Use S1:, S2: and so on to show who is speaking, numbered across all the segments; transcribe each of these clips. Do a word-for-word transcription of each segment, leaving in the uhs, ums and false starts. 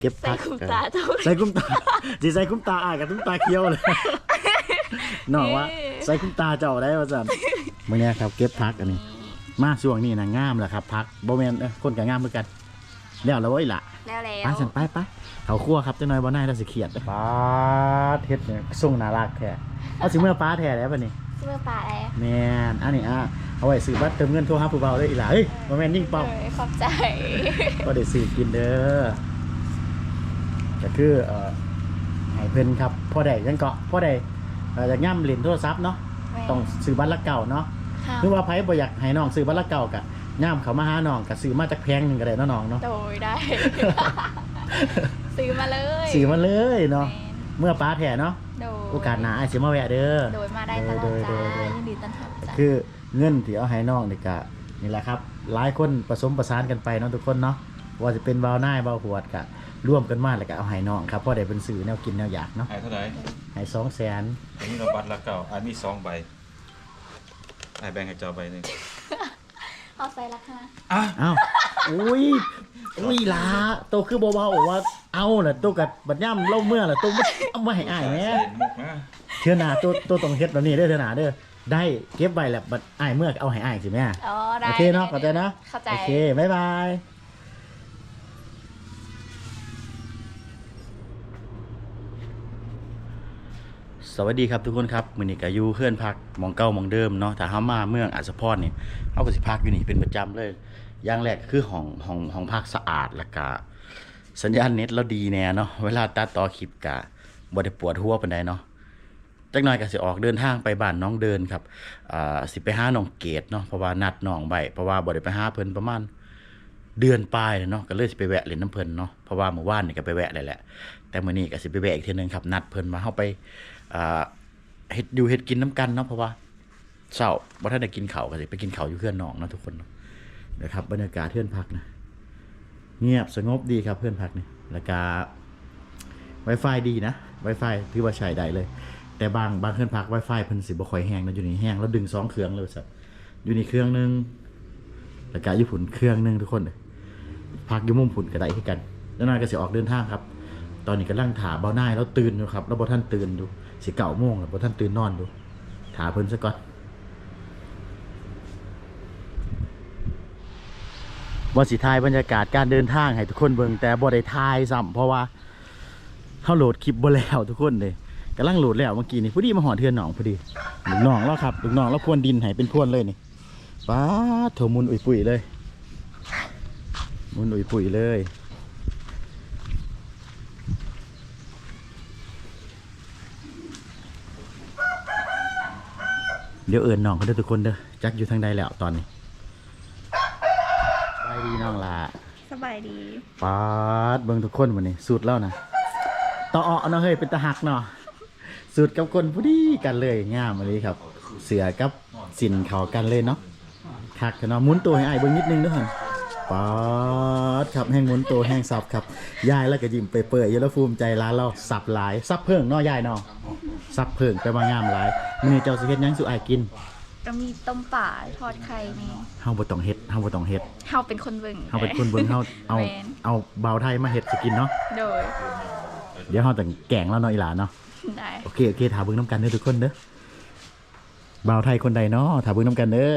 S1: เก็บพัก
S2: ใส่คุ้มตาเจ้า
S1: ใส่คุ้มตาจีใส่คุ้มตาอ่ะกับตุ้มตาเคี้ยวเลยน้องว่าใส่คุ้มตาเจ้าได้ป่ะจันเมื่อนี้ครับเก็บพักอันนี้มาช่วงนี้นะงามแหละครับพักโบแมนเออคนกับงามเหมือนกันแล้วเราไว้ละ
S2: แล้วแล้
S1: ไป
S2: ว
S1: สันไปไปเขาคั่วครับเจ้าน้อยบ่ได้เราสิเขียดป้าเท็ดเนี่ยส่งน่ารักแท้เอาสิเมื่อป้าแท้แล้วป่ะนี่
S2: เสื้อปลาอะไร
S1: แมนอันนี้อ่ะเอาไว้ซื้อบัตรเติมเงินโทรหาผู้เบาได้อีหล่ะเฮ้ยบ่แมนยิ่งเป่า
S2: เออขอบใจ
S1: ก็ได้ซื้อกินเด้อก็คือเอ่อให้เพิ่นครับพ่อใดยังเกาะพ่อใดเอ่ออยากย่ำเหรียญโทรศัพท์เนาะต้องซื้อบัตรละเก่าเนาะหรือว่าไผบ่อยากให้น้องซื้อบัตรละเก่ากะย่ำเขามาหาน้องก็ซื้อมาจากแพงหนึงก็ได้เนาะน้องเนาะ
S2: โดยได้ ซื้อมาเลย
S1: ซื้อมาเลยเนาะเมื่อป้าแท้เนาะ
S2: โดย
S1: โอกาสหน้าอ้ายสิมาแวะเด้อ
S2: โดยมาได้ตลอด
S1: โดย
S2: จ้า
S1: โดยโดย
S2: ยินดีต้อนรับจ้า
S1: คือเงินที่เอาให้น้องนี่ก็นี่แหละครับหลายคนผสมประสานกันไปเนาะทุกคนเนาะว่าจะเป็นเบาหน้าเบาหัวดก็ร่วมกันมาแล้วก็เอาให้น้องครับเพราะได้เป็นสื่อแนวกินแนวอยากเนาะ
S3: หายเท่าไหร่
S1: ให้สองแสน
S3: อันนี้เราบัตรละเก่าอันมีสองใบไอ้แบ่งให้เจ้าใบหนึ่ง
S2: เอาใส่ละค่ะ
S3: อ่ะ
S1: อ้าวอุ้ยอุ้ยลาโตคือเบาๆว่าเอาน่ะโตกับบัดย่ำเล่าเมื่อน่ะโตบ่เอามาให้อ้ายแหม
S3: ใส่มุกนะ
S1: เทื่อหน้าโตโตต้องเฮ็ดแบบนี้เด้อเทื่อหน้าเด้อได้เก็บไว้แล้วบัดอ้ายเมื่อเอาให้อ้ายสิแม่
S2: อ๋อได้
S1: โอเคเนาะเข้าใจเนาะ
S2: เข้าใจ
S1: โอเคบ๊ายบายสวัสดีครับทุกคนครับมื้อนี้ก็อยู่เพื่อนพักหมองเก่าหมองเดิมเนาะถ้าเฮามาเมืองอัศพรนี่เฮาก็สิพักอยู่นี่เป็นประจำเลยอย่างแรกคือห้องห้องห้องพักสะอาดแล้วก็สัญญาณเน็ตเราดีแน่เนาะเวลาตัดต่อคลิปก็บ่ได้ปวดหัวปานใดเนาะจักหน่อยก็สิออกเดินทางไปบ้านน้องเดินครับอ่าสิไปหาน้องเกดเนาะเพราะว่านัดน้องไว้เพราะว่าบ่ได้ไปหาเพิ่นประมาณเดือนปลายแล้วเนาะก็เลยสิไปแวะเล่นน้ำเพิ่นเนาะเพราะว่าเมื่อวานนี่ก็ไปแวะแล้วแหละแต่มื้อนี้ก็สิไปแวะอีกเทื่อนึงครับนัดเพิ่นมาเฮาไปอ่าเฮ็ดอยู่เฮ็ดกินน้ำกันเนาะเพราะว่าเช้าบ่ทันได้กินข้าวก็สิไปกินข้าวอยู่เฮือนน้องเนาะทุกคนเนาะนะครับบรรยากาศเฮือนพักนะเงียบสงบดีครับเฮือนพักนี่แล้วก็ Wi-Fi ดีนะ Wi-Fi ถือว่าใช้ได้เลย แต่บางบางเครื่องพัก Wi-Fi เพิ่นสิบ่ค่อยแห้งนะอยู่นี่แห้งแล้วดึงสองเครื่องเลยสัตว์อยู่นี่เครื่องนึงแล้วก็อยู่พุ่นเครื่องนึงทุกคนพักอยู่มุมพุ่นก็ได้คือกันแล้วนายก็สิออกเดินทางครับ ตอนนี้กำลังถาเบาหน้าแล้วตื่นอยู่ครับแล้วบ่ทันตื่นอยู่สิเก้าโมงแล้วบ่ทันตื่นนอนอยู่ถาเพิ่นซะก่อนว่าสิถ่ายบรรยากาศการเดินทางให้ทุกคนเบิ่งแต่บ่ได้ถ่ายซ้ำเพราะว่าเฮาโหลดคลิปบ่แล้วทุกคนเลยกำลังโหลดแล้วเมื่อกี้นี่พอดีมาหอเทือนหนองพอดีลูกน้องแล้วครับลูกน้องแล้วพรวนดินให้เป็นพรวนเลยนี่ป้าโถมุนอุ่ยปุ๋ยเลยมุนอุ่ยปุ๋ยเลยเดี๋ยวเอิญน้องเขาเด้อทุกคนเด้อจักอยู่ทางใดแล้วตอนนี้สบายดีน้องล่ะ
S2: สบายดี
S1: ป้าดเบิ่งทุกคนวันนี้สูตรแล้วนะต่อเอาเนาะเฮ้ยเป็นตาหักเนาะสูตรกับคนพอดีกันเลยงามมาเลยครับ เสือกับสินเขากันเลยเนาะคักเนาะหมุนตัวให้อ้ายเบิ่งนิดนึงด้วยหันป้าดครับแห้งหมุนตัวแห้งสับครับยายแล้วก็ยิ้มเปื่อยๆอยู่แล้วภูมิใจร้านเราสับหลายสับเพิ่งเนาะยายเนาะสับเพิ่งไปว่างามหลายมื้อนี้เจ้าสิเฮ็ดหยังสู่อ้ายกิน
S2: ก็มีต้มป่าทอดไข่นี่
S1: เฮาบ่ต้องเฮ็ดเฮาบ่ต้องเฮ็ด
S2: เฮาเป็นคนเบิ่ง
S1: เฮาเป็นคนเบิ่งเฮาเอา
S2: แม่น
S1: เอาเบาวไทยมาเฮ็ดสิกินเนาะ
S2: โดย
S1: เดี๋ยวเฮาต้องแกงแล้วเนาะอีหลาเนาะ
S2: ได้
S1: โอเคโอเคถามเบิ่งน้ำกันเด้อทุกคนเด้อบ่าวไทยคนใดเนาะถามเบิ่งน้ำกันเด้อ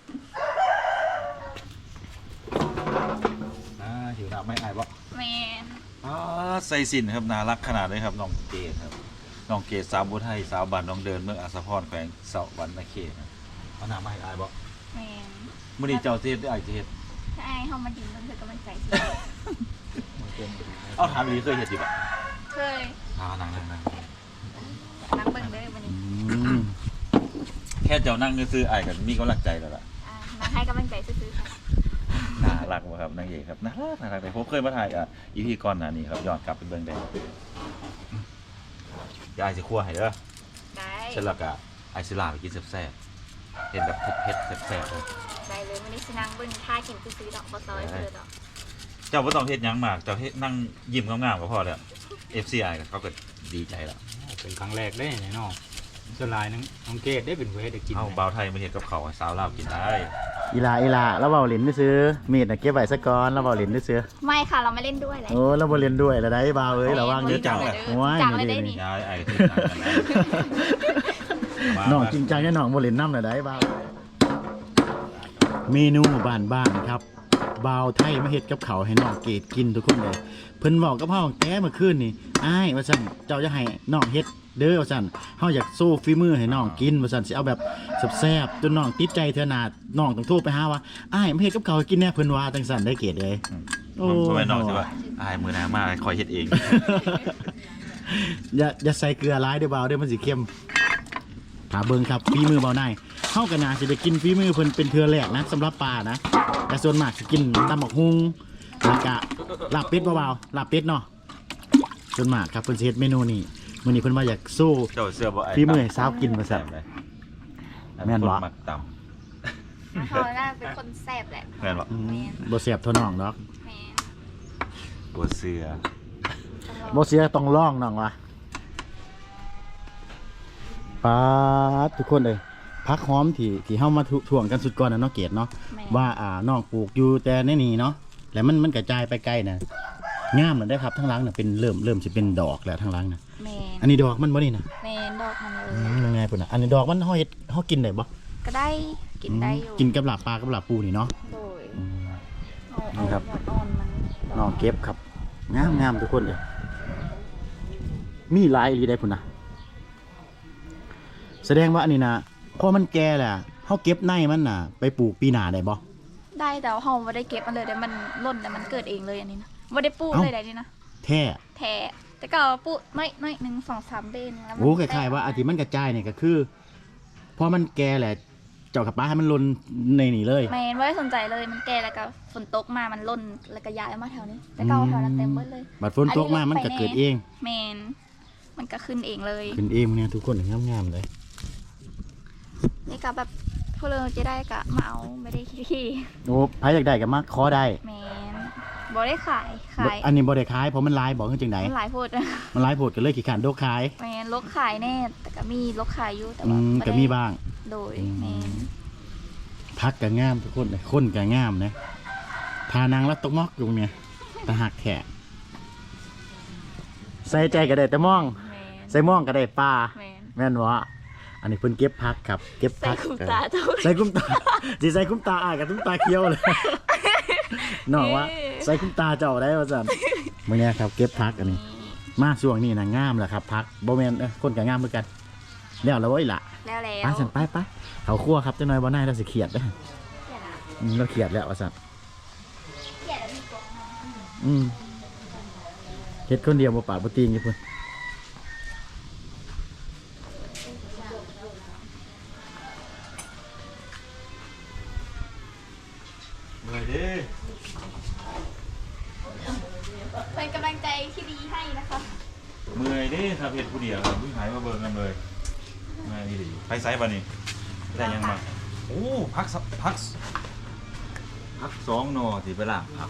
S1: อ่าหิวน้ำไม่อายบ่
S2: แมน
S3: อ่าใส่สินครับน่ารักขนาดเลยครับน้องเกดครับน้องเกดสาวบุไทยสาวบ้านน้องเดินเมืองอัศพรแขวงเสาวันนาเขตครับ
S1: เอาน้ำไม่อายบ่
S2: แมน
S3: มื้อนี้เจ้าสิเฮ็ดได้อ้ายสิเฮ็ด
S2: ถ้าไอ้เฮามาดินมันเธอกำลังใจสิ
S3: เอาถามอีหลีเคยเฮ็ดอยู่บ่
S2: เคย
S3: อ่านั่งๆ
S2: นั่งเบิ่งเด้อวันนี้
S1: อืม
S3: ๆแค่เจ้านั่งซื่อๆอ้ายก็มีกำลังใจแล้วล่ะ
S2: อ่านั่งให้กำลังใจซื่อๆค่ะ
S3: น่ารักบ่ครับนางเอกครับน่ารักน่ารักเลยผมเคยมาถ่ายอ่ะ อี พี ก่อนหน้านี้ครับย้อนกลับไปเบิ่งได้เดี๋ยวอ้ายสิคั่วให้เด้อ
S2: ได้
S3: เสร็จแล้วก็ไอซิลาไปกินแซ่บๆเห็นแบบเผ็ดๆแซ่บๆเลย
S2: ได้เลยวันนี้สินั่งเบิ่งท่ากินซื่อๆดอกบ่ซอยเธอดอก
S3: เจ้าบ่ต้องเฮ็ดหยังมากเจ้าเฮ็ดนั่งยิ้มงามๆก็พอแล้ว เอฟ ซี ไอ ก็เขาก็ดีใจแล้ว
S4: เป็นครั้งแรกได้เนี่ยเนาะสลายน้องน้องเกดได้เป็นเวทได้กิน
S3: เอาเบาไทยมาเห็นกับเขาวให้สาวลาวกินได้
S1: อีลาอีลาแล้วเบาเหรียญไม่ซื้อมีดน่ะเก็บไว้ซะก่อนแล้วเบาเหรียญไม่ซื้อ
S2: ไม่ค่ะเราไม่เล่นด้วยเลย
S1: โอ้แล้วบ่เรียนด้วยแล้วได้เบาเอ้ยระวัง
S2: เย
S1: เด้อ
S2: จังเลย
S1: โอ้ย
S2: จังเลยได้นี่
S3: ยายไอ้ที่นั่นกันนะ
S1: น้องจริงจังแน่น้องบ่เล่นน้ำแล้วได้เบาเมนูบ้านๆครับเบาไทยมาเฮ็ดกับเขาวให้น้องเกดกินทุกคนเลยเพิ่นบอกกับเฮาแต้เมื่อคืนนี่อ้ายว่าซั่นเจ้าจะให้น้องเฮ็ดเด้อว่าซั่นเฮาอยากสู้ฝีมือให้น้องกินว่าซั่นสิเอาแบบแซ่บๆจนน้องติดใจเทื่อหน้าน้องต้องโทรไปหาว่าอ้ายมาเฮ็ดกับเขาวให้กินแน่เพิ่นว่าจังซั่นได้เกดเอ้ย โอ้
S3: ทำไมน้องสิว่าอายมือหน้ามาคอยเฮ็ดเอง
S1: อย่าอย่าใส่เกลือร้ายเด้อเบาเด้อมันสิเค็มถาเบิ่งครับฝีมือเบาหน่ายเฮาก็น่าสิได้กินฝีมือเพิ่นเป็นเทื่อแรกนะสำหรับปลานะแต่ส่วนมากสิกินตำบักฮุงแล้วก็ลาบเป็ดเบาๆลาบเป็ดเนาะส่วนมากครับเพิ่นสิเฮ็ดเมนูนี้มื้อนี้เพิ่นว่าอยากสู้
S3: เจ้าเสื้อบ่ไอ้
S1: ฝีมือให้สาวกินว่าซั่น แม่นบ่
S3: มักต่
S2: เขาน่าเป็นคนแซ่บแหละ
S3: ำแม่นบ่
S1: อืมบ่แซ่บเท่าน้องดอก
S2: แมน
S3: ตัวเสื้อ
S1: บ่เสียต้องลองน้องว่ะปาดทุกคนเลยผักหอมที่ที่เฮามาถ่วงกันสุดก่อนน่ะเนาะเกดเนาะ
S2: แมน
S1: ว่าอ่าน้องปลูกอยู่แต่ในนี่เนาะแล้วมันมันกระจายไปไกลนะงามเลยได้ครับทั้งหลังน่ะเป็นเริ่มเริ่มสิเป็นดอกแล้วทั้งหลังน่ะ
S2: แมน
S1: อันนี้ดอกมันบ่นี่นะ
S2: แมนดอกมันเล
S1: อื
S2: ย
S1: มยังไงพุ่นน่ะอันนี้ดอกมันเฮาเฮ็ดเฮากินได้บ่
S2: ก็ได้กินได้อยู่
S1: กินกับลาบปลากับลาบปูนี่เนาะ
S2: โดย
S1: อืม
S2: เอา
S1: นี่
S2: เอา
S1: ครับ
S2: หมดอ่อนมัน
S1: น้องเก็บครับงามงามทุกคนเลยมีหลายอีหลีได้พุ่นน่ะแสดงว่าอันนี้นะพอมันแก่แหละเฮาเก็บในมันน่ะ ไปปลูกปีหน้าได้บ่
S2: ได้แต่ว่าเราไม่ได้เก็บมันเลยแต่มันล่นแต่มันเกิดเองเลยอันนี้นะไม่ได้ปลูก
S1: เอ้า
S2: เลยได้นี่นะ
S1: แท้
S2: แท้แต่ก็ปลูกน้อยน้อยหนึ่งสองสามเดือนแล้วมัน
S1: โอ้คล้ายๆว่าอาทิมันกระจายเนี่ยก็คือพอมันแก่แหละเจ้ากับป้าให้มันหลนในนี่เลย
S2: แมนไม่ได้สนใจเลยมันแก่แล้วก็ฝนตกมามันล่นแล้วก็ย้ายมาแถวนี้แต่ก็เอาแถวนั้นเต็มหมดเลย
S1: บัดฝนตกมามันก็เกิดเอง
S2: แมนมันก็ขึ้นเองเลย
S1: ขึ้นเองเนี่ยทุกคนงามๆเลย
S2: นี่ก็แบบพวกเราจะได้กะมาเอาไม่ได้ขี้
S1: โอ้ใครอยากได้ก็มาขอได้
S2: แมนบอได้ขายขาย
S1: อันนี้บ่ได้ขายเพราะมันหลายบอกคือจังได
S2: มันหลายโพด
S1: มันหลายโพดก็เลยขี้ขานโดกขาย
S2: แมนลกขายแน่แต่ก็มีลกขายอยู่แต่
S1: อื
S2: ว่าม บ่
S1: ก็
S2: ได้
S1: มีบ้าง
S2: โดย
S1: อืม
S2: แมน
S1: พักก็งามทุกคนเลยคนก็งามนะทานางแล้วตกมอกอยู่เนี่ยตะหักแขกใส่ใจก็ได้แต่มอง
S2: แมน
S1: ใส่ม่องก็ได้ปลา
S2: แมน
S1: แม่นวะอันนี้เพิ่นเก็บพักครับ เก็บ
S2: ใส่
S1: พัก
S2: คุ้มตาเจ้า
S1: ใส่คุ้มตา สิใส่คุ้มตาอายกับคุ้มตาเคี้ยวเลย น้องว่าใส่คุ้มตาเจ้าได้ว่าซั่นมื้อนี้ครับเก็บพักอันนี้ มาช่วงนี้นะงามแหละครับพักบ่แม่นเอ้อคนก็งามเหมือนกันแล้วแล้วเว้ยล่ะ
S2: แล้วแล้
S1: ไป
S2: ว
S1: สั่นไปไปเขาครั่วครับจังหน่อยบ่นายเราสิเครียดเด้ออืมเราเครียดแล้วว่าซั่น
S2: เกลียดแล้วมีกรงนะ
S1: อืมเฮ็ดคนเดียวบ่ปากบ่ตีงอยู่พุ่น
S3: เมื่อยเด้
S2: เป็นกำลังใจที่ดีให้นะคะ
S3: เมื่อยเด้ครับเฮ็ดผู้เดียวครับผู้หายมาเบิ่งกันเลยเมื่อยดีไปไสบัดนี้ได้ยังมาโอ้พักสักพักพักสองหนอที่ไปล่างครับ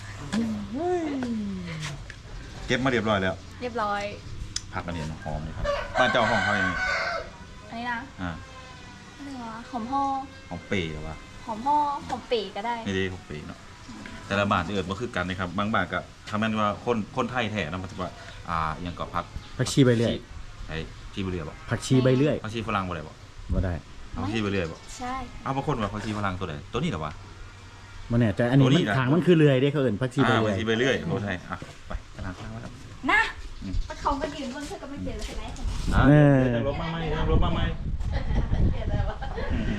S3: เก็บมาเรียบร้อยแล้ว
S2: เรียบร้อย
S3: ผักอันนี้หอมเลยครับบ้านเจ้าห้องเขาอย่างนี้
S2: อันนี้นะ
S3: อ่า
S2: อะไรวะหอมห่อ
S3: หอมเป๋หรอวะ
S2: หอมห่อหอมปีก็ได้
S3: ไม่ได้หอมเป๋เนาะแต่ละบ้านที่เอิดมาคือกันนะครับบางบ้านก็คำนั้นว่าคนคนไทยแท้นะมันจะว่าอ่าอยังก็พัก
S1: ผักชีใบเลื่อย
S3: ไอ้ชีบุเรียบ่
S1: ผักชีใบเลื่อย
S3: ผักชีฝรั่งบ่ได้บ่
S1: บ่ได้
S3: เอาผักชีบุเรียบ่
S2: ใช่
S3: เอาบางคนว่าผักชีฝรั่งตัวไหนตัวนี้เหรอวะ
S1: บ่แน่ใจอันนี้
S3: ตัวนี้
S1: มัน
S3: นะ
S1: ทางมันคือเลื่อยเด้เขาเอิ้นผักชีใบ
S3: อ่า
S1: เลื่
S3: ผั
S1: อก ย
S3: ชีไปเรื่อยโอ้ใช่อ่ะไปกำลังข้างว่าครับ
S2: นะ
S3: อืม
S2: ปะเขาก็ยืนบนเสื้อก็ไม่เจอเลยใช่ไหม
S3: อ่า
S1: เออ
S3: เดี๋ยวลบมาไหมเดี๋ยวลบมาไหมอืม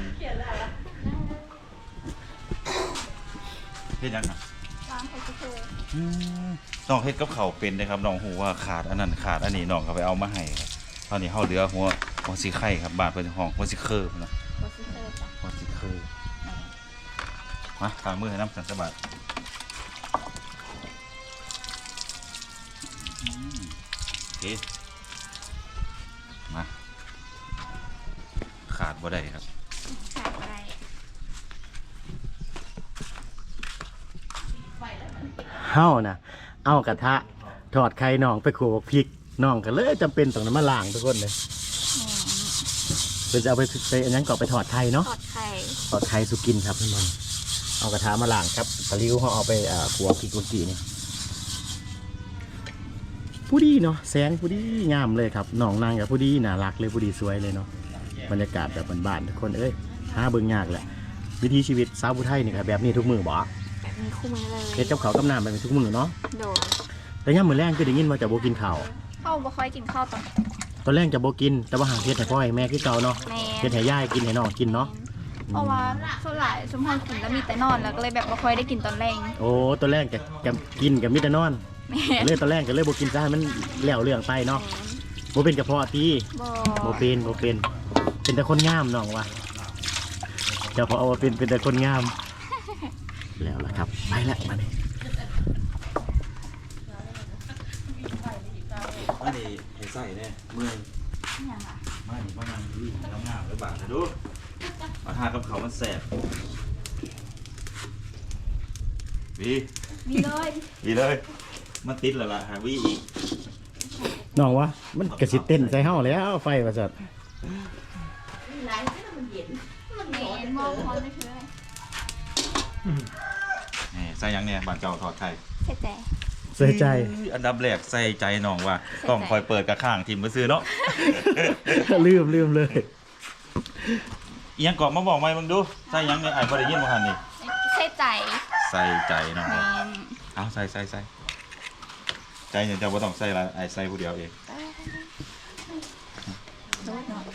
S3: เฮ็ดยังไง
S2: ล้างไข่เจียว
S3: น้องเฮ็ดกับเขาวเป็นนะครับน้องหูว่าขาดอันนั้นขาดอันนี้น้องเขาไปเอามาให้ครับตอนนี้เฮาเหลือหัวหัวสีไข่ครับบาดเพิ่นห้องหัวสีเคอร์นะ
S2: โรสเตอร์จ้ะ
S3: หัวสีเคอร์มาตามมือให้น้ำสันสะบัดอืมโอเคมาขาดบ่ได้ครับ
S2: ขาดอะไร
S1: เฮาน่ะเอากระทะทอดไข่น้องไปโขลกพริกน้องก็เลยจำเป็นต้องนำมาล้างทุกคนเลยเพิ่นจะเอาไปไปอันนั้นก็ไปทอดไข่เนาะ
S2: ทอดไข่
S1: ทอดไข่สุกินครับเพื่อนๆเอากระทะมาล้างครับตะลิ้วเขาเอาไปอ่าขัวพริกกุนจีนี่ผู้ดีเนาะแสงผู้ดีงามเลยครับน้องนางกับผู้ดีน่ารักเลยผู้ดีสวยเลยเนาะบรรยากาศแบบบ้านๆทุกคนเอ้ยหาเบิ่งยากแหละวิถีชีวิตสาวผู้ไทยนี่ครับแบบนี้ทุกมือบ่
S2: แบบนี้คู่มือเลย
S1: เฮ็ดกับข้าวกับน้ำแบบนี้ทุกมือเนาะ
S2: โดด
S1: แต่ย่ามมื้อแรงคือได้ยินว่าจะบ่กินข้าว
S2: เข้าบ่ค่อยกินข้าวตอน
S1: ตอนแรกจะบ่กินแต่ว่าหางเฮ็ดให้พ่อให้แม่คือเก่าเนาะ
S2: แม่
S1: เฮ็ดให้ยายกินให้น้องกินเนาะ
S2: เพราะว่าส่วนหลายสมพรกินแล้วมีแต่นอนแล้วก็เลยแบบบ่ค่อยได้กินตอนแรง
S1: โอ้ตอนแรกจะจะกินกับมิตรนอน
S2: แม่
S1: เลยตอนแรกก็เลยบ่กินซะให้มันแล้วเรื่องไปเนาะบ่เป็นกระเพาะที่
S2: บ่
S1: บ่เป็นบ่เป็นเป็นแต่คนงามน้องว่ะเจ้าพอเอาว่าเป็นเป็นแต่คนงาม แล้วล่ะครับไปละมานี่
S3: มาดิเห็นใส่เนี่ยเมื่อย
S2: อย่างอ่ะ
S3: มาดิมานั่งดูน้ำงามหรือบาทนะดูมาทานกับเขาวมันแสบวี
S2: มีเลย
S3: วีเลยมันติดแล้วล่ะหาวีอีก
S1: น้องวะมันกระสิเต้นใส่เฮาแล้วไฟว่าซั่น
S2: แม่มองพรไม่คืออะไร
S3: นี่ใส่หยังเนี่ยบานเจ้าทอดไข่
S2: เสียใจ
S1: เสียใจ
S3: อันดับแรกใส่ใจน้องว่าต้องคอยเปิดกระข้างทีมมือซื้อเนาะ
S1: ลืมลืมเลย
S3: เอียงกรอบมาบอกไหมมึงดูใส่หยังเนี่ยไอ้พอได้ยินมาหันนี่
S2: เสียใจ
S3: ใส่ใจน้อง
S2: แม่
S3: เอาใส่ใส่ใส่ใจเนี่ยเจ้าบ่ต้องใส่ละไอ้ใส่ผู้เดียวเอง
S2: โดดเนาะ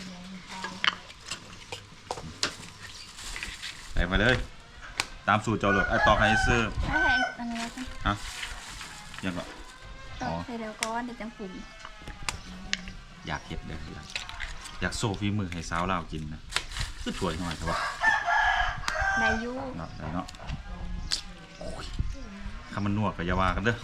S3: ใส่มาเลย ตามสูตรเจ้าเลยไอ้ตอกไอ้ซื้อ
S2: ถ้าใส่อันนี้แล้วกัน
S3: ฮะยังก็
S2: ตอกใส่เดี๋ยวก่อนเดี๋ยวจังปรุง
S3: อยากเห็ดเด้ออยากอยากโซ่ฝีมือให้สาวลาวกินนะคือถวยหน่อยใช่ปะ
S2: ได้อยู
S3: เนาะได้เนาะโอ้ยคำมันนวดกับยาวากันเด้อ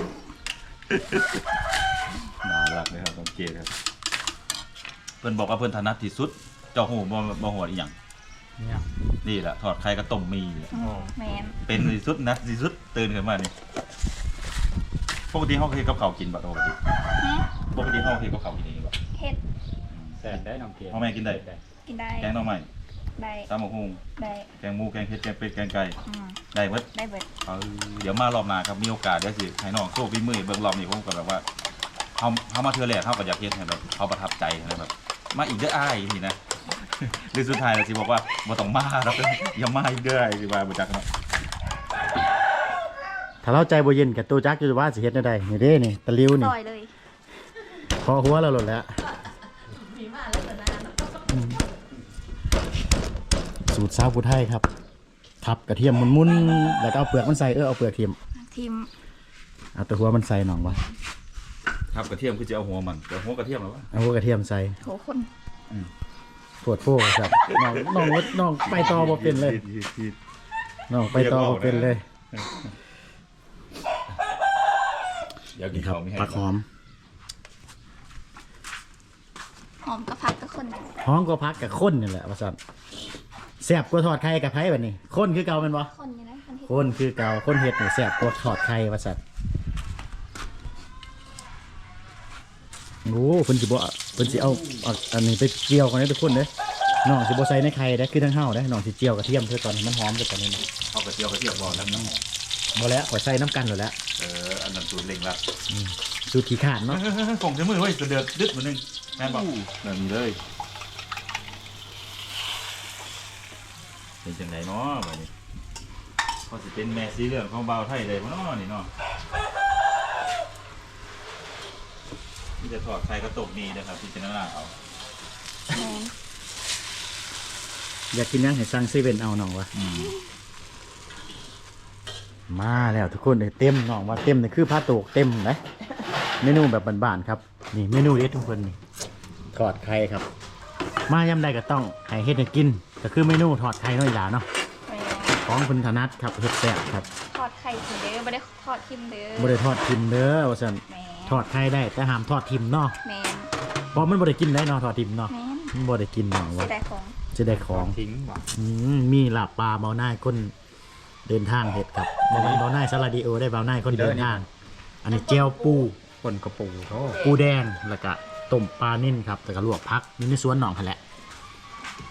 S3: น่ารักเลยครับสังเกตครับเพิ่นบอกว่าเพิ่นถนัดที่สุด เจ้าหูบ่บ่หัวอีหยัง
S4: เนี่ย
S3: นี่แหละทอดไข่กับต้มมีแหละ
S2: อืมแมน
S3: เป็นที่สุดนัดที่สุดตื่นขึ้นมานี่ปกติเฮาเคยเฮ็ดกับข้าวกินบ่ปกติ
S2: ฮะ
S3: ปกติเฮาเคยเฮ็ดกับข้าวกินเองบ่
S2: เห็ด
S4: แซ่บได้น้องเกด
S3: พ่อแม่กินได้
S2: กินได้
S3: แกงหน่อไม้
S2: ได้
S3: ตำบักหุ่ง
S2: ได้
S3: แกงหมูแกงเผ็ดแกงเป็ดแกงไก่
S2: อืม
S3: ได้เบิด
S2: ได้เบิด
S3: เออเดี๋ยวมารอบหน้าครับมีโอกาสเดี๋ยวสิให้น้องโชว์ฝีมือเบิ่งรอบนี้ผมก็แบบว่าเฮาเฮามาเทื่อแรกเฮาก็อยากเฮ็ดให้แบบเขาประทับใจนะแบบมาอีกเด้ออ้ายนี่นะ หรือสุดท้ายแล้วสิบอกว่าบ่ต้องมาครับ อย่ามาอีกเด้ออ้ายสิว่าบ่จักเนาะ
S1: ถ้าเราใจบ่เย็นกับตัวจักอยู่ว่าสิเฮ็ดได้นี่เด้นี่ตะลิ้วนี่
S2: ต่อยเลย
S1: พอหัวเราหล่นแล้วอืมสูตรสาวผู้ไทยครับทับกระเทียมมุนๆแล้วก็เอาเปลือกมันใส่เออเอาเปลือกเทียม
S2: ทีม
S1: เอาแตัวหัวมันใส่หน่องวะ
S3: ครับกระเทียมคือจะเอาหัวมันแต่หัวกระเทียมแล้ววะ
S1: เอาหัวกระเทียมใส่
S2: โหคน
S1: ปวดโฟครับน้องน้องวดน้องไปต่อบ่เป็นเลยน้องไปต่อบ่เป็นเลย
S3: เดี๋ยวกิ
S1: นี่
S3: น
S1: ครับ
S3: ข้าวมีให้
S1: ผักหอม
S2: หอมกระพักกับคน
S1: หอมก็พักกับข้นนี่แหละว่าซั่นแซ่บกว่าทอดไข่กับไผบัดนี้ข้นคือเก่าแม่นบ่
S2: คนนี่นะคนที่
S1: ข้นคือเก่าข้นเฮ็ดนี่แซ่บกว่าทอดไข่ว่าซั่นโอ้เพิ่นสิบ่เพิ่นสิเอาเอาอันนี้ไปเจียวกันเด้อทุกคนเด้อน้องสิบ่ใส่ในไข่เด้อคือทั้งเฮาเด้อน้องสิเจียวกระเทียมเพื่อก่อนให้มันหอมเพื่อก่อนนี่นะ
S3: เอากระเทียมกระเทียมบอกแล้วน้ำ
S1: บ่แล้วขอยใส่น้ำกันแล้วแหละ
S3: เอออันนั้นสูตรเล็งละ
S1: สูตรขี้ขาดเนาะ
S3: คงจะมือเว้ยเดือดดึดเหมือนนึงแม่นบอกแบบนี้เลยเป็นจังไดเนาะแบบนี้พอสิเป็นแม่สีเหลืองของเบาวไทยเลยบ่เนาะนี่เนาะนี่จะทอดไข่กระตกนี้นะครับพิจารณาเอา
S2: แมน
S1: อยากกินหยังให้สั่งเซเว่นเอาน้องวะ
S3: อืม
S1: มาแล้วทุกคนเลยเต็มน้องว่าเต็มนี่คือผ้าโตกเต็มนะเมนูแบบบ้านๆครับนี่เมนูเด็ดทุกคนนี่ทอดไข่ครับ มายำใดก็ต้องให้เฮ็ดให้กินก็คือเมนูทอดไข่น้อยหลาเนาะ
S2: แมน
S1: ของคุณธนัทครับเฮ็ดแซ่บครับ
S2: ทอดไข่ถึงเด้อไม่ได้ทอดทิมเด้อ
S1: บ่ได้ทอดทิมเด้อว่าซั่น
S2: แมน
S1: ทอดไข่ได้แต่ห้ามทอดทิมเนาะ
S2: แมน
S1: เพราะมันบ่ได้กินได้เนาะทอดทิมเนาะ
S2: แมน
S1: มันบ่ได้กินน้อง
S2: เสี
S1: ว่าย
S2: ดายของ
S1: จะได้ของ
S4: ทิ้งว่ะ
S1: อืมมีลาบปลาเบาหน้าคนเดินทางเห็ดครับเบาหน้าเบาหน้าซาลาดิโอได้เบาหน้าคนเดินทาง อันนี้เจียวปู
S4: คนกระปูโอ้
S1: ปูแดงแล้วก็ต้มปลานิ่นครับแต่ก็ลวกพักนี่ในสวนหนองพันแหละ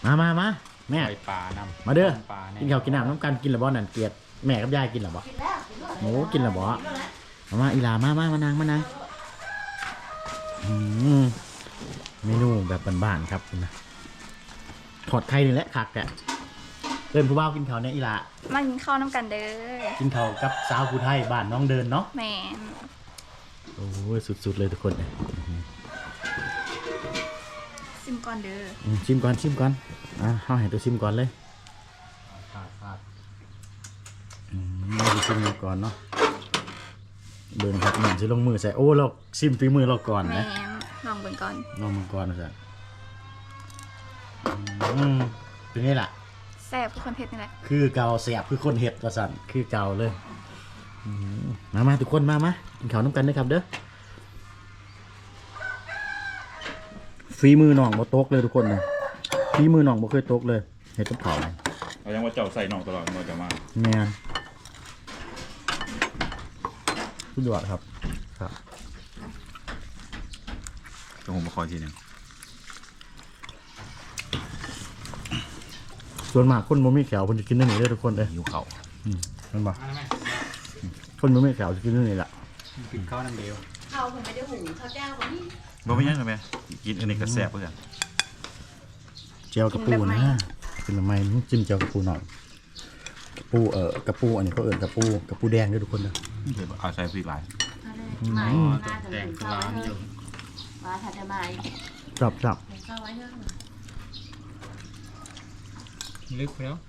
S1: มามามาแม่
S4: ปล่อยปลานำ
S1: มาเด้อ
S4: ปลา
S1: กินข้าวกินน้ำน้ำกันกินหรือบ่นั่นเกลียดแม่กับยายกินหรือบ่หมูกินหรือบ่มามาอีหลามามามานั่งมานั่งอืมเมนูแบบบ้านๆครับนะถอดไข่นี่แหละคักแกะเดินผู้บ่าวกินข้าวเนี่ยอีหลา
S2: มากินข้าวน้ำกันเด้อ
S1: กินข้าวกับสาวผู้ไทยบ้านน้องเดินเนาะ
S2: แม่น
S1: โอ้ยสุดๆเลยทุกคนเลย
S2: ซิมก่อนเด้อ
S1: อืมชิมก่อนชิมก่อนอ่ะเฮาให้ตัวชิมก่อนเลย
S4: พลาดพลาด
S1: อืมเราจะชิมก่อนเนาะเบิ่งครับเหมือนสิลงมือใส่โอ้เราชิมฝีมือเราก่อน
S2: แม่
S1: นะ
S2: นลองเบิ่งก่อน
S1: น้องมังกรนะจ๊ะอืมเป็นไงล่ะ
S2: แซ่บคือคนเผ็ดนี่แหละ
S1: คือเกาเสียบคือคนเห็ดว่าสั่นคือเกาเลยอืมมามาทุกคนมามากินข้าวน้ำกันด้วยครับเด้อฝีมือน้องบ่ตกเลยทุกคนนะฝีมือน้องบ่เคยตกเลยเห็ดกับข้าวเลย
S3: เอายังว่าเจ้าใส่น่องตลอดมันจะมา
S1: แม่นสุดยอดครับครับ
S3: เดี๋ยวผมมาคอยทีหนึง
S1: ส่วนมากคนบ่มีแขวคนจะกินได้นี่เด้อทุกคนเด้อ
S3: หิวเข่า
S1: อืมแมันบ่
S4: มาแล้วแม่
S1: คนบ่มีแขวจะกินได้นี่ล่ะ
S4: กินข้าวน้ำเดียว
S5: เขาผมไม่ได้หุงข้าวเจ้าคนนี้
S3: บ่ไม่ยังเลยไหมกินอันนี้ก็แซ่บเพื่อน
S1: เจียวกระปูนะกินทำไมจิ้มเจียวกระปูหน่อยกระปูเอ่อกระปูอันนี้เขาเอิ้นกระปูกระปูแดงเด้อทุกคนเด้อ
S3: เดี๋ยวเอาใส่พริกหลาย
S5: มา
S1: อืม
S5: หน้าจะ
S4: แดง
S5: หุง
S4: คือ
S5: ข้าว
S4: ร้าน
S5: ไว้
S4: อยู่
S5: มาถัดจะมา
S1: จับจับ
S5: หุงข้าวไว้เถอะ
S4: ลึกแล้ว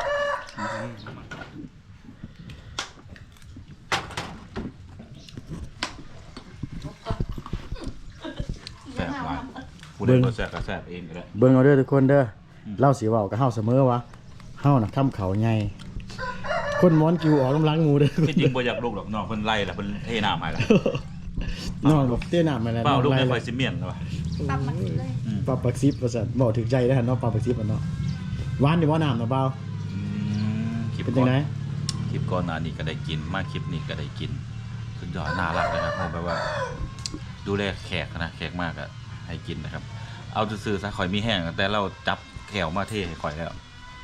S3: แซ่บหลายผู้ใดบ่แซ่บก็แซ่บเองก็ได้
S1: เบิ่งเอาเด้อทุกคนเด้อเล่าสิเว้ากับเฮาเสมอว่าเฮาน่ะทำเขาใหญ่คนม้อนกิวออกกำลังหมูเด้อ
S3: ที่จริงบ่อยากลูกหรอกน้องเพิ่นไล่ล่ะเพิ่นเทน้ำให้ล่ะ
S1: น้องบอกเตี้ยหน้ามาแล้ว
S3: เปล่าลูก
S1: น้
S3: ไม่
S1: อง
S3: ค่
S1: ไล่
S3: อยสิเมียนหรอวะ
S2: ปรับมันเลย
S3: อืม
S1: ปลาปักซิบว่าซั่นบอกถึงใจได้อหั่นเนาะปลาปักซิบอ่ะเนาะหวานนี่บ่น้ำเนาะเบา
S3: อืมคลิป
S1: เป็น
S3: ก่
S1: จั
S3: อง น
S1: ได๋
S3: คลิปก่อนหน้านี้ก็ได้กินมาคลิปนี้ก็ได้กินสุดยอดน่ารักเลยครับผมแบบว่า ดูแลแขกนะแขกมากอะให้กินนะครับ เอาซื่อๆซะข่อยมีแห้งแต่เราจับแขวมาเทให้ข่อยแล้ว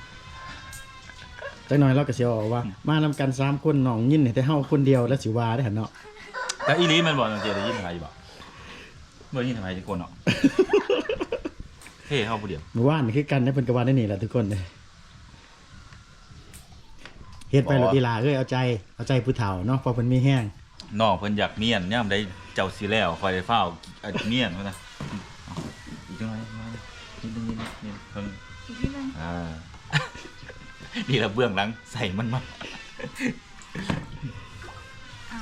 S1: จักหน่อยเราก็สิเอาว่า มานำกันสามคนน้องยินให้แต่เฮาคนเดียวแล้วสิว่าได้อหั่นเนาะ
S3: แต่อีนี้มันบอกจังเจได้ยินใครอยู่บ่บ่ยินทำไมทุกคนเนาะ เท่เข้าผู้เดียว
S1: เมื่อวานนี่คือกันได้เพิ่นก็ว่าได้นี่แหละทุกคนเด้อเฮ็ดไปรถอีหลาเอ้ยเอาใจเอาใจผู้เฒ่าเนาะเพราะเพิ่นมีแห้ง
S3: น้องเพิ่นอยากเนียนย่ำได้เจ้าสิแล้วคอยได้เฝ้าเอาเนียนว่านะเอาอีกจังหน่อยมานิดนึงนิดนึงนิดนึงเพิ่ง
S2: อีกทีหนึง
S3: อ่า นี่ละเบื้องหลังใส่มันมา
S2: อ้าว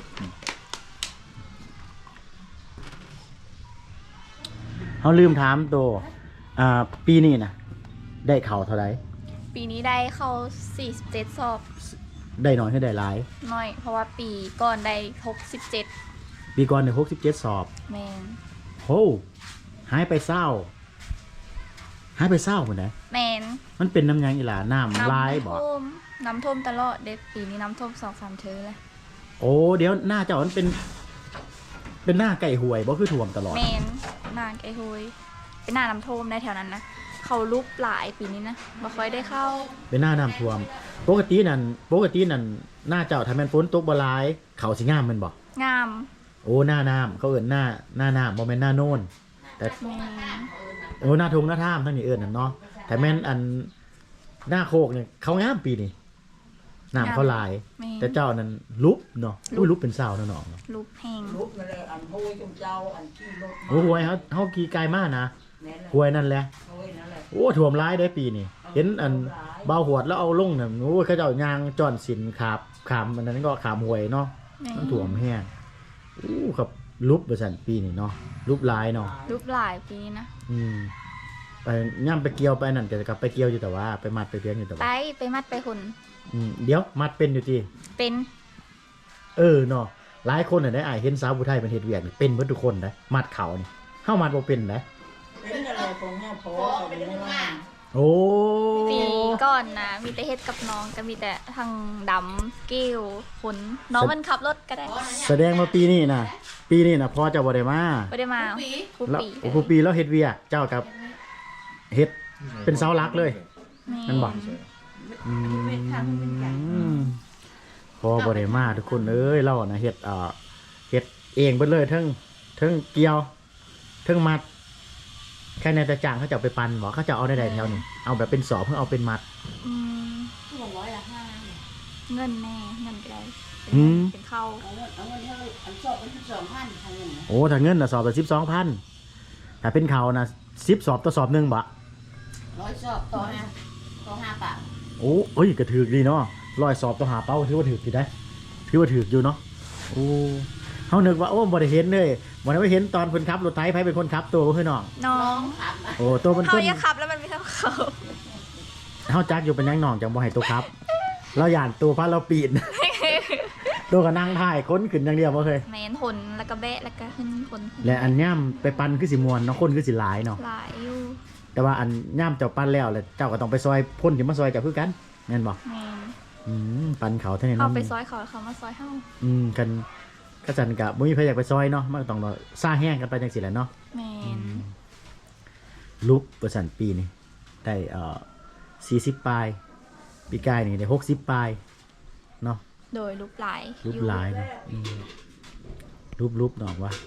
S1: เฮาลืมถามโตอ่าปีนี้น่ะได้เข้าเท่าใด
S2: ปีนี้ได้เข้าสี่สิบเจ็ดสอบ
S1: ได้น้อยให้ได้หลาย
S2: น้อย เพราะว่าปีก่อนได้หกสิบเจ็ด
S1: ปีก่อนได้หกสิบเจ็ดสอบ
S2: แม่น
S1: โหหายไปเศร้าหายไปเศร้าพุ่นน่ะ
S2: แม่น
S1: มันเป็นน้ำหยังอีหลาน้ำลายบ่
S2: น้ำท่วมน้ำท่วมตลอดเด็กปีนี้น้ำท่วมสองสามเทอเลย
S1: โอ้เดี๋ยวหน้าเจ้ามันเป็น เป็นหน้าไก่ห่วยบ่คือท่วมตลอด
S2: แมนนางไอ้ฮุยเป็นหน้าน้ำท่วมในแถวนั้นนะเขาลุกหลายปีนี้นะบ่ค่อยได้เข้า
S1: เป็นหน้าน้ำท่วม ปกตินั่นปกตินั่นหน้าเจ้าถ้าแม่นฝนตกบ่หลายเขาสิงามแมันบ่
S2: งาม
S1: โอ้หน้าน้ำเขาเอิ้นหน้าหน้าน้ำบ่แม่นหน้าโน่นแต่
S2: แมน
S1: โอ้หน้าทงหน้าท่ามทั้งนี้เอิ้นนั่นเนาะแต่แม่นอันหน้าโคกเนี่ยเขางามปีนี้น้ำเขาหลาย
S2: แมน
S1: แต่เจ้านั้นลุบเนาะอุ้ยลุบเป็นสาวเนาะน้องเนาะ
S2: ลุกแห้ง
S5: ลุกมาเลยอันโห้ยจงเจ้าอันขี้รถ
S1: โอ้หวยเขาเขากี่ไกลมากนะ
S5: แน่น
S1: หวยนั่นแหละ
S5: โห้ยนั่นแหละ
S1: โอ้ถ่วมร้ายได้ปีนี่เห็นอันเบาหวดแล้วเอาลงเนี่ยโอ้ยเขาเจ้ายางจอนสินขาบขามอันนั้นก็ขามหวยเนาะ
S2: แม่
S1: มันถ่วมแห้งอู้ครับลุบประสันปีนี่เนาะลุบร้ายเนาะ
S2: ลุกหลายปีนี้นะ
S1: อืมไปย่ำไปเกี่ยวไปนั่นแต่กลับไปเกี่ยวอยู่แต่ว่าไปมัดไปเพียงอยู่แต่
S2: ไป
S1: ว่า
S2: ไปมัดไปหุ่น
S1: อืมเดี๋ยวมัดเป็นอยู่ที
S2: เป็น
S1: เออเนาะหลายคนน่ะได้อ่ายเห็นสาวผู้ไทยเป็นเฮ็ดเวียกนี่เป็นเบิดทุกคนนะมัดเขานี่เฮามัดบ่เป็นนะ
S5: เป็นอะไรของเนี่ยพอเขาไม่ว่า
S1: โอ้
S2: ปีก่อนนะมีแต่เฮ็ดกับน้องก็มีแต่ทางดำกิ้วขนน้องมันขับรถก็ได้
S1: แสดงว่าปีนี้นะปีนี้นะพ่อเจะบ่ได้มา
S2: ไม่ได้มาทุก
S1: แล้ว
S2: ปี
S1: โอ้โหปีแล้วเฮ็ดเวียกเจ้ากับเฮ็ดเป็นเสาหลักเลย
S2: แม่
S1: นั่นบอก อืมพอบ่ได้มาทุกคนเอ้ยเรานะเฮ็ดเอ่อเฮ็ดเองเบิดเลยทั้งทั้งเกี่ยวทั้งมัดแค่ในตะจ่างเขาจะเอาไปปั่นบ่เขาจะเอาได้ใดแถวนี้เอาแบบเป็นสอบเพื่อเอาเป็นมัด
S2: อืม
S5: สองร้อยละห้า
S2: เงินแน่เงินก็ได้
S1: อืม
S2: เป็นเข้า
S5: เอาเงินเอาเงินเท่าอันสอบเป็นสิบสองพันทางเงินนะ
S1: โอ้ถ้าเงินน่ะสอบละสิบสองพันถ้าเป็นเขาน่ะสิบสอบต่อสอบหนึ่งบ่
S5: ร้อยสอบต่อห้าต่อห้าบาท
S1: โอ้เอ้ยก็ถือดีเนาะร้อยสอบต่อหาเป้าถือว่าถืออยู่ได้ถือว่าถืออยู่เนาะโอ้เฮานึกว่าโอ้บ่ได้เห็นเลยบ่ได้ไปเห็นตอนเพิ่นขับรถไถไผเป็นคนขับตัวบ่คือน้อง
S2: น้อ
S5: น้อง งขับนะ
S1: โอ้ตัวเป็นค
S2: เขา
S1: น
S2: อย่าขับแล้วมันไม่เท่าเขา
S1: เฮาจักอยู่เป็นหยังน้องจังบ่ให้ตัวขับ เราย่านตัวพาเราปีน ตัวก็นั่งถ่ายค้นขึ้นอย่างเดียวบ่เคย
S2: แมนทนแล้วก็แบะแล้วก็ขึ้นทน
S1: และอันย่ำไปปั่นคือสิม่วนเนาะคนคือสิหลายเนาะ
S2: หลายอยู่
S1: แต่ว่าอันย่ำเจ้าปั่นแล้วแหละเจ้าก็ต้องไปซอยพ่นที่มาซอยเจ้าคือกันแม่นบ่
S2: แมน
S1: อืมปั่นเขาเท่านี้
S2: เขา
S1: เนาะ
S2: ไปซอยเขาเขามาซอยเฮา
S1: อืมกันก็จันกะบ่มีใครอยากไปซอยเนาะมันก็ต้องรอซ่าแห้งกันไปจังซี่แหละเนาะ
S2: แมน
S1: ลุกเปอร์เซ็นต์ปีนี่ได้เอ่อสี่สิบปลายปีกายนี่ได้หกสิบปลายเนาะ
S2: โดยรูปหลาย
S1: รูป
S2: อยู่
S1: หลายเนาะอืมรูปรูปเนาะว่า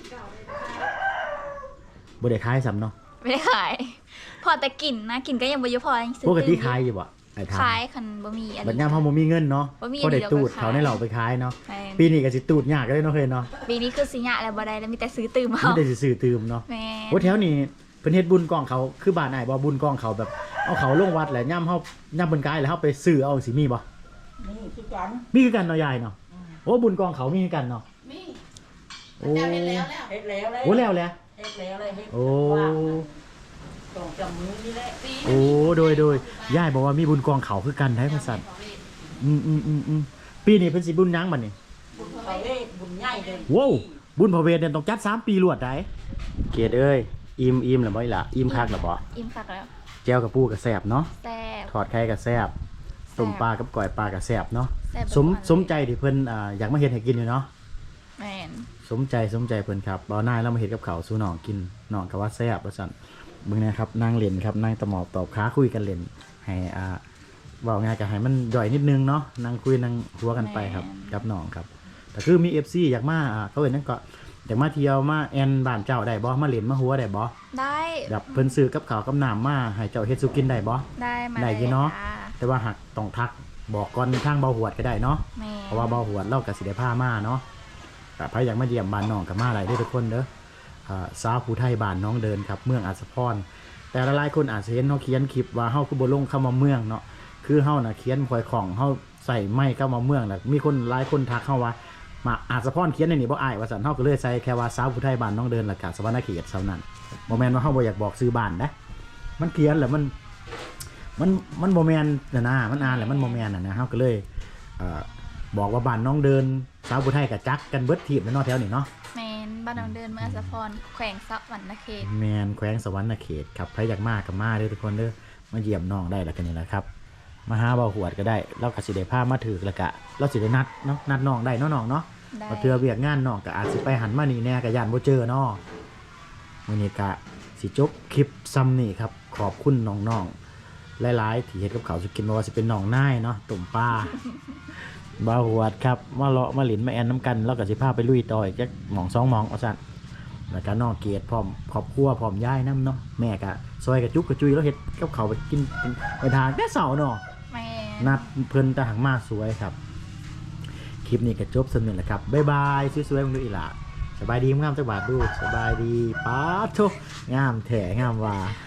S1: บ่ได้ขายซ้ำเนาะ
S2: ไม่ได้ขาย พอแต่กลิ่นนะกลิ่นก็ยังบ่เยอะพอยังซื้อ
S1: ปกติ
S2: ตื่น
S1: ขายอยู่บ่ไอ้ทาง
S2: ขายคันบ่มีอัน
S1: บัด
S2: นี้
S1: ยามเฮาบ่มีเงินเนาะ
S2: บ่มี
S1: ก็ได้
S2: อันเดียว
S1: ตูด
S2: ก็ขาย
S1: เขาในเหล่าไปขายเนาะ
S2: แม่น
S1: ปีนี้ก็สิตูดยากเลยเนาะเคยเนาะ
S2: ปีนี้คือสิยะแล้วบ่ได้แล้วมีแต่ซื้อตื่ม
S1: ไม่
S2: เอา
S1: ได้สิซื้อตืมเนาะ
S2: แม่น
S1: โอ้แถวนี้เพิ่นเฮ็ดบุญกองเขาคือบ้านอ้ายบ่บุญกองเขาแบบเอาเขาลงวัดแหละย่ำเฮาย่ำเพิ่นกายแล้วเฮาไปซื้อเอาสิมีบ่
S5: นี่คือกัน
S1: มีคือกันเนาะยายเนาะโอ้บุญกองเขามีคือกันเนาะ
S5: มี
S1: โอ้
S5: เจ้าเฮ็ดแล้วแล้วเฮ็ดแล้วเลย
S1: โอ้แล้วแหละ
S5: เฮ็ดแล้วเลยเฮ็ด
S1: โอ้
S5: ว่างสองจำมือนี่แหละปี
S1: โอ้โดยโดยยายบอกว่ามีบุญกองเขาคือกันได้พระสัตว์อืมอืมอืมอืมปีนี้เพิ่นสิบุญหยังบัดนี้
S5: บุญเขาเวทบุญใหญ่เลย
S1: ว้าวบุญพระเวทเนี่ยต้องจัดสามปีรวดได้เกียรติเอ้ยอิ่มอิ่มแล้วบ่อีหล่ะอิ่มคักแล้วบ่
S2: อิ่มคักแล้ว
S1: แจ่วกับปูกับแซ่บเนาะ
S2: แซ่บ
S1: ทอดไข่กับแซ่บต้มปลากับก้อยปลากับแซ่บเนาะ
S2: แซ่บ
S1: สม
S2: ทุกวันเลย
S1: สมใจที่เพิ่นอ่าอยากมาเฮ็ดให้กินอยู่เนาะ
S2: แม่น
S1: สมใจสมใจเพิ่นครับบ่าวนายเรามาเฮ็ดกับข้าวสู่น้องกินน้องก็ว่าแซ่บว่าซั่นเบิ่งนะครับนั่งเล่นครับนั่งตะหมอบตอบค้าคุยกันเล่นให้อ่าเว้าง่ายก็ให้มันย่อยนิดนึงเนาะนั่งคุยนั่งหัวกันไปครับกับน้องครับแต่คือมี เอฟ ซี อยากมาอ่าเขาเอิ้นนั่นก็อยากมาเที่ยวมาแอนบ้านเจ้าได้บ่มาเล่นมาหัวได้บ่
S2: ได้
S1: แบบเพิ่นซื้อกับข้าวกับน้ำมาให้เจ้าเฮ็ดสุกินได้บ่
S2: ได้มา
S1: ได้อยู่เนาะ
S2: จ้
S1: แต่ว่าหากต้องทักบอกก่อนทางเบาหวดก็ได้เนาะ
S2: แม่น
S1: เพราะว่าเบาหวดเราก็สิได้พามาเนาะแต่ใครอยากมาเยี่ยมบ้านน้องก็มาหลายเด้อทุกคนเด้ออ่าสาวผู้ไทยบ้านน้องเดินครับเมืองอัศพรแต่หลายๆคนอาจจะเห็นเฮาเขียนคลิปว่าเฮาคือบ่ลงคำว่าเมืองเนาะคือเฮาน่ะเขียนพลอยของเฮาใส่ไม้คำว่าเมืองน่ะมีคนหลายคนทักเฮาว่ามาอัศพรเขียนในนี่บ่อายว่าซั่นเฮาก็เลยใส่แค่ว่าสาวผู้ไทยบ้านน้องเดินแล้วก็สวรรณเขตเท่านั้นบ่แม่นว่าเฮาบ่อยากบอกชื่อบ้านนะมันเขียนแล้วมัน มันมันโมแมนน่ะนะมันอ่านแหละมันโมแมนน่ะนะเฮาก็เลยเอ่อบอกว่าบ้านน้องเดินสาวผู้ไทยกับจักกันเบิดทีบแล้วเนาะแถวนี้เนาะ
S2: แม่นบ้านน้องเดินเมืองอัสสพรแขวงสะหวรรณเขต
S1: แมนแขวงสวรรณเขตครับใครอยากมาก็มาเด้อทุกคนเด้อมาเยี่ยมน้องได้แล้วกันนี่แหละครับมาหาเบาหวดก็ได้เราก็สิได้พามาถึกแล้วก็เราสิได้นัดเนาะนัดน้องได้เนาะน้องเนาะ
S2: ได้
S1: มาเทื่อเวียกงานน้องก็อาจสิไปหันมานี่แน่ก็ย่านบ่เจอเนาะมื้อนี้ก็สิจบคลิปซ้ำนี่ครับขอบคุณน้องๆ หลายๆที่เฮ็ดกับเขาวสุกินบ่ว่าสิเป็นหนองนายเนาะตุ่มปลา บ่าวหวดครับมาเลาะมาหลินมาแอนน้ำกันแล้วก็สิพาไปลุยต่ออีกจักหม่องสองหม่องเอาซั่นแล้วก็น้องเกดพร้อมครอบครัวพร้อมยายนํเนาะแม่ก็ซอยกระจุกกระจุยแล้วเฮ็ดกับเขาวไปกินไปทานแต่เช้าเนาะ
S2: แม่น
S1: นัดเพิ่นตะหังมาสวยครับคลิปนี้ก็จบสำนึกแล้วครับบ๊ายบายสวยๆมึงดูอีหล่ะสบายดีงามจักบาทดูสบายดีป๊าดโธงามแท้งามว่า